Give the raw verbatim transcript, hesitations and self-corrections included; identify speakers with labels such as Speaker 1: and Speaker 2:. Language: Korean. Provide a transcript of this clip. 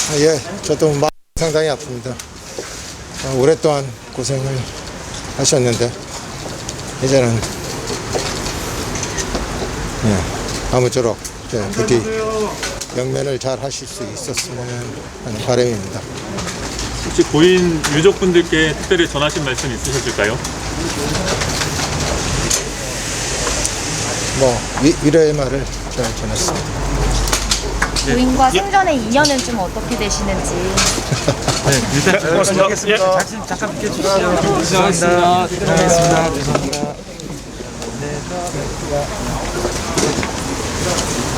Speaker 1: 아, 예, 저도 마음 상당히 아픕니다. 어, 오랫동안 고생을 하셨는데 이제는 예, 아무쪼록 예, 부디 영면을 잘 하실 수 있었으면 하는 바람입니다.
Speaker 2: 혹시 고인 유족분들께 특별히 전하신 말씀 있으셨을까요?
Speaker 1: 뭐 위, 위로의 말을 잘 전했습니다.
Speaker 3: 부인과 생전의 인연은 좀 어떻게 되시는지.
Speaker 2: 네, 일단
Speaker 4: 고맙습니다. 잠깐, 잠깐 비켜주시죠. 죄송합니다. 죄송합니다. 죄송합니다. 네.